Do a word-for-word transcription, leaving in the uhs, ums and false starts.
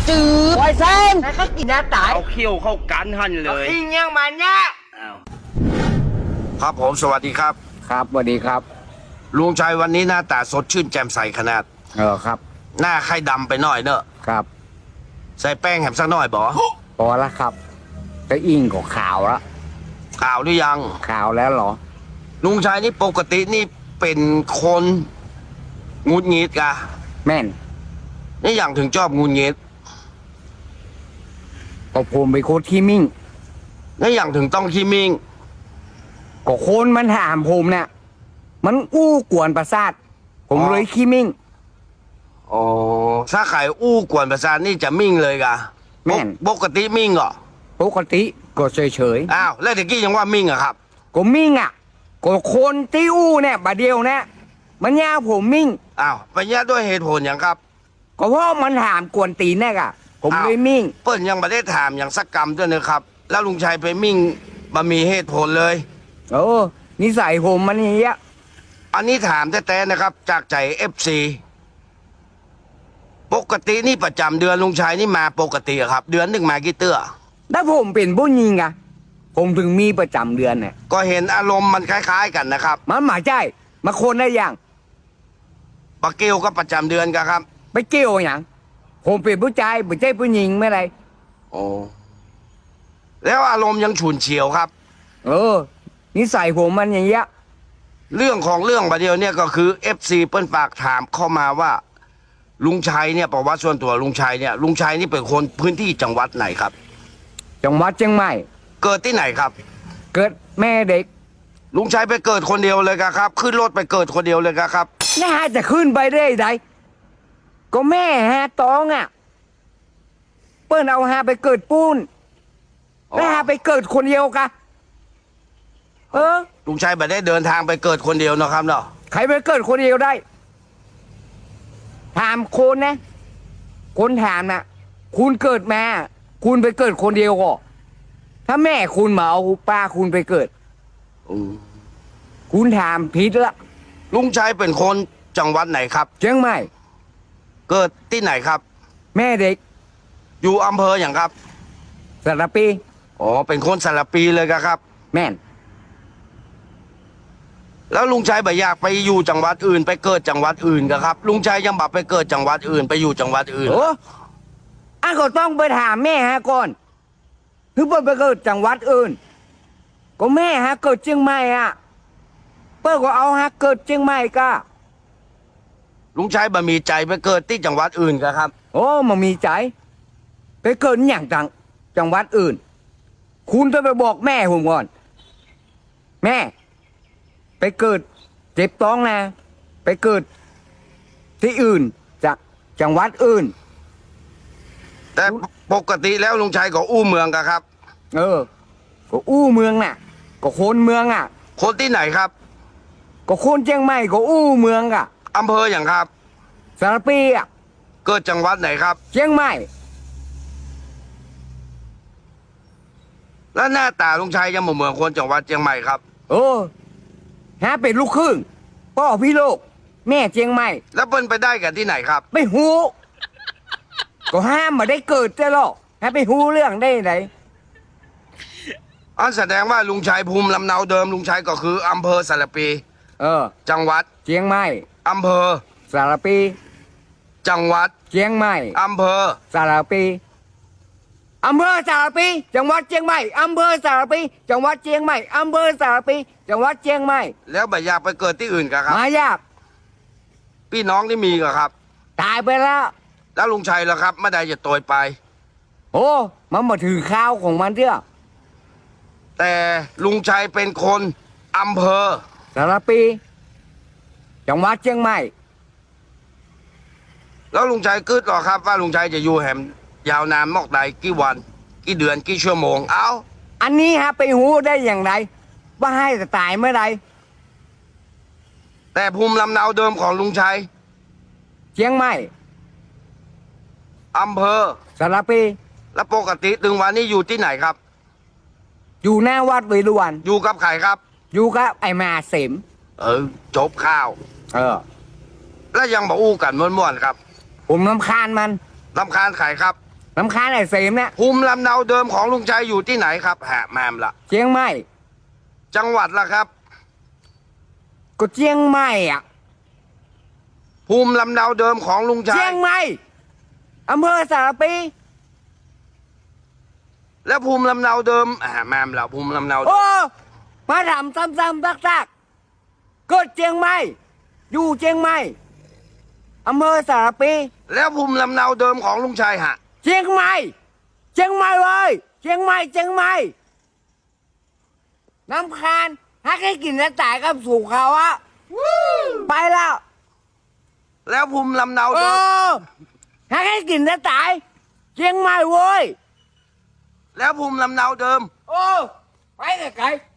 จืดไวเซนแล้วก็กินน้าตายเอาเขี้ยวเข้ากันหันเลยอิงยังมันเนี่ยอ้าวครับผมสวัสดีครับครับสวัสดีครับลุงชัยวันนี้หน้าตาสดชื่นแจ่มใสขนาดเออครับหน้าไข้ดำไปหน่อยเนอะครับใส่แป้งแหมสักหน่อยบอพอแล้วครับก็อิงก็ขาวแล้วข่าวหรือยังขาวแล้วเหรอลุงชัยนี่ปกตินี่เป็นคนงุดงิดกะแม่นนี่อย่างถึงชอบงุดงิดก็ผมไปนโคตรขี้มิ่งนี่อย่างถึงต้องขี้มิงก็คนมันถามผมเนี่ยมันอู้กวนประสาทผมเลยขี้มิ่งอ๋อถ้าไข่อู้กวนประสาทนี่จะมิ่งเลยกะแม่นปกติมิ่งเหรอปกติก็เฉยเฉยอ้าวแล้วตะกี้ยังว่ามิ่งอะครับๆก็มิ่งอ่ะก็คนที่อู้เนี่ยบาเดียวเนี่ยมันยาผมมิ่งอ้าวไปแย่ด้วยเหตุผลอย่างครับก็เพราะมันถามกวนตีนเนี่ยอะผมอ้าวเลยมิ่งเปิ้ลยังไม่ได้ถามอย่างสักกรรมด้วยนะครับ แล้วลุงชัยไปมิ่งมามีเหตุผลเลยโอ้นิสัยผมมันอย่างเงี้ยอันนี้ถามแท้ๆนะครับ จากใจเอฟซีปกตินี่ประจำเดือนลุงชัยนี่มาปกติอะครับ เดือนหนึ่งมากี่เตื้อถ้าผมเป็นผู้หญิงอะผมถึงมีประจำเดือนเนี่ยก็เห็นอารมณ์มันคล้าย ๆ กันนะครับมันหมาใจมาคนได้ยังปะเกียวก็ประจำเดือนกันครับไปเกี่ยวอย่างผมเป็นผู้ชายไม่ใช่ผู้หญิงไม่ไรโอ้แล้วอารมณ์ยังฉุนเฉียวครับเออนิสัยผมมันอย่างเงี้ยเรื่องของเรื่องประเดียวเนี่ยก็คือเอฟซีเปิ้ลฝากถามเข้ามาว่า ลุงชัยเนี่ยประวัติส่วนตัวลุงชัยเนี่ยลุงชัยนี่เป็นคนพื้นที่จังหวัดไหนครับจังหวัดเชียงใหม่เกิดที่ไหนครับเกิดแม่เด็กลุงชัยไปเกิดคนเดียวเลยครับ ขึ้นรถไปเกิดคนเดียวเลยครับน่าจะขึ้นไปได้ไดก็แม่ฮะตองอ่ะ เปิ้นเอาฮาไปเกิดปูนอ๋อแล้วฮาไปเกิดคนเดียวกะเออลุงชัยไม่ได้เดินทางไปเกิดคนเดียวนะครับเนาะใครไปเกิดคนเดียวได้ ถามคนนะ คนถามน่ะ คุณเกิดมา คุณไปเกิดคนเดียวก็ถ้าแม่คุณมาเอาป้าคุณไปเกิดอืมคุณถามผิดละลุงชัยเป็นคนจังหวัดไหนครับเชียงใหม่เกิดที่ไหนครับแม่เด็กอยู่อำเภออย่างครับสระปีอ๋อเป็นคนสระปีเลยครับแม่นแล้วลุงชัยบ่อยากไปอยู่จังหวัดอื่น ไปเกิดจังหวัดอื่นครับ ลุงชัยยังบัไปเกิดจังหวัดอื่น ไปอยู่จังหวัดอื่นโอ้อันก็ต้องไปถามแม่ฮะก่อนคือเปิ้ลไปเกิดจังหวัดอื่น ก็แม่ฮะเกิดเชียงใหม่อ่ะ เปิ้ลก็เอาฮะเกิดเชียงใหม่ก็ลุงชัยบ่มีใจไปเกิดที่จังหวัดอื่นครับโอ้มันมีใจ ไปเกิดอย่างจังจังหวัดอื่น คุณต้องไปบอกแม่ผมก่อน แม่ ไปเกิดเจ็บท้องนะ ไปเกิดที่อื่นจากจังหวัดอื่นแต่ปกติแล้วลุงชัยก็อู้เมืองครับเออ ก็อู้เมืองน่ะ ก็คนเมืองอ่ะคนที่ไหนครับก็คนเชียงใหม่ก็อู้เมืองอ่ะอำเภออย่างครับสารปีอ่ะเกิดจังหวัดไหนครับเชียงใหม่แล้วหน้าตาลุงชัยยังบ่เหมือนคนจังหวัดเชียงใหม่ครับโอ้ฮะเป็นลูกครึ่งพ่อพี่โลก แม่เชียงใหม่แล้วเปิ้ลไปได้กันที่ไหนครับไม่หูก็ห้ามมาได้เกิดจะหรอกฮะไปหูเรื่องได้ไหนอันแสดงว่าลุงชัยภูมิลำเนาเดิมลุงชัยก็คืออำเภอสระปีเออจังหวัดเชียงใหม่อำเภอสารปีจังหวัดเชียงใหม่อำเภอสารปีอำเภอสารปีจังหวัดเชียงใหม่อำเภอสารปีจังหวัดเชียงใหม่อำเภอสารปีจังหวัดเชียงใหม่แล้วบ่อยากไปเกิดที่อื่นกันครับมายากพี่น้องที่มีกันครับตายไปแล้วแล้วลุงชัยล่ะครับไม่ได้จะโตยไปโอ้มันมาถือข้าวของมันเถอะแต่ลุงชัยเป็นคนอำเภอสารปีจังหวัดเชียงใหม่แล้วลุงชัยกึดหรอครับ ว่าลุงชัยจะอยู่แหมยาวนานมอกใดกี่วัน กี่เดือนกี่ชั่วโมง เอ้าอันนี้ฮะไปหูได้อย่างไรว่าให้จะตายเมื่อไรแต่ภูมิลำเนาเดิมของลุงชัยเชียงใหม่อำเภอสารปีและปกติถึงวันนี้อยู่ที่ไหนครับอยู่หน้าวัดเวรุวันอยู่กับใครครับอยู่กับไอ้มาเสมเออจบข้าวเออแล้วยังบอกอู้กันม่วนๆครับผมน้ำคาญมันลำคาญใครครับลำคาญไอ้เสมเนี่ยภูมิลำเนาเดิมของลุงชัยอยู่ที่ไหนครับฮะแมมละเชียงใหม่จังหวัดละครับก็เชียงใหม่อ่ะภูมิลำเนาเดิมของลุงชัเชียยงใหม่อำเภอสารปีแล้วภูมิลำเนาเดิมอ่าแมมละภูมิลำเนาโอ้มาถามซ้ำๆซักๆเกิดเชียงใหม่อยู่เชียงใหม่อำเภอสารปีแล้วภูมิลำเนาเดิมของลุงชัยฮะเชียงใหม่เชียงใหม่เว้ยเชียงใหม่เชียงใหม่น้ำคานฮักให้กินแล้วตายกับสู่เขาอะไปแล้วแล้วภูมิลำเนาโอ้เดิมฮักให้กินแล้วตายเชียงใหม่เว้ยแล้วภูมิลำเนาเดิมโอ้ไปไกลๆ